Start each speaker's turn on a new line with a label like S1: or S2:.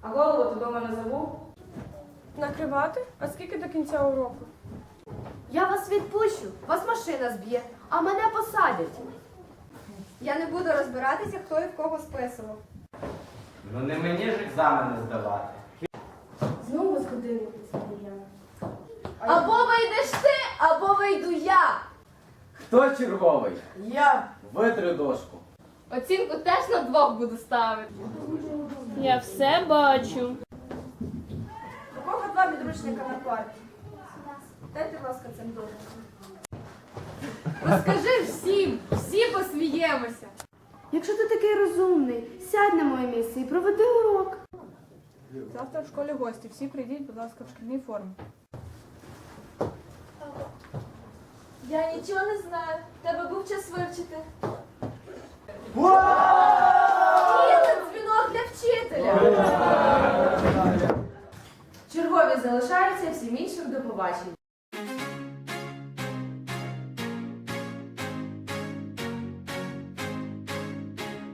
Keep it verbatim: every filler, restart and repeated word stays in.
S1: А голову ти дома не забув?
S2: Накривати? А скільки до кінця уроку?
S3: Я вас відпущу, вас машина зб'є, а мене посадять.
S4: Я не буду розбиратися, хто і в кого списував.
S5: Ну не мені ж екзамени здавати.
S3: Знову з годиннику підсадіяна.
S2: Або вийдеш ти, або вийду я.
S5: Хто черговий?
S2: Я.
S5: Витри дошку.
S2: Оцінку теж на двох буду ставити. Я все бачу.
S4: У кого два підручника на парті? Дайте, будь ласка, цим дошкам.
S2: Розкажи всім, всі посміємося.
S3: Якщо ти такий розумний, сядь на моє місце і проведи урок.
S2: Завтра в школі гості. Всі прийдіть, будь ласка, в шкільній формі.
S6: Я нічого не знаю. Тебе був час вивчити.
S4: Ні, це дзвінок для вчителя.
S1: Чергові залишаються, всім іншим до побачення.